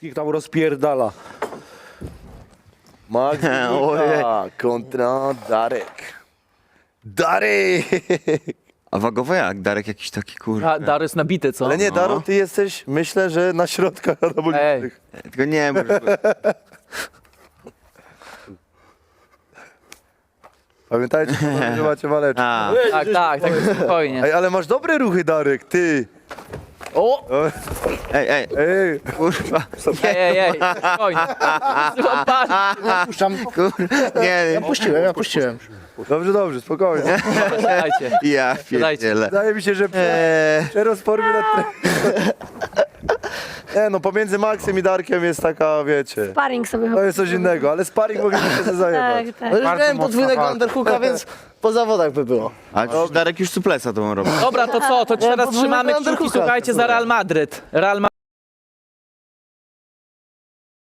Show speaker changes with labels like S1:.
S1: wszystkich tam rozpierdala. Max kontra Darek. Darek!
S2: A wagowo jak? Darek jakiś taki kurwa.
S3: Daro jest nabity, co?
S1: Ale nie, Daro, ty jesteś, myślę, że na środkach anabolicznych.
S2: Tylko nie możesz...
S1: Pamiętajcie, że macie waleczkę.
S2: A,
S3: Tak, spokojnie.
S1: Ej, ale masz dobre ruchy, Darek, ty.
S3: O!
S2: ej,
S1: Ej,
S2: kurwa.
S3: Ej, spokojnie. Złapać.
S4: Puszczam.
S2: Nie,
S4: Ja puściłem.
S1: dobrze, spokojnie.
S3: Dajcie.
S2: ja pierdzielę.
S1: Wydaje mi się, że przerozpormy na Nie no, pomiędzy Maxem i Darkiem jest taka, wiecie,
S5: Sparring sobie
S1: to jest coś innego, ale sparring moglibyśmy się zajebać.
S5: Tak, tak.
S4: No już miałem podwójnego underhooka, więc po zawodach by było.
S2: A przecież Darek już suplesa to on robi.
S3: Dobra, to co? To teraz
S4: podwójnego
S3: trzymamy kciuki,
S4: underhooka.
S3: słuchajcie, za Real Madryt.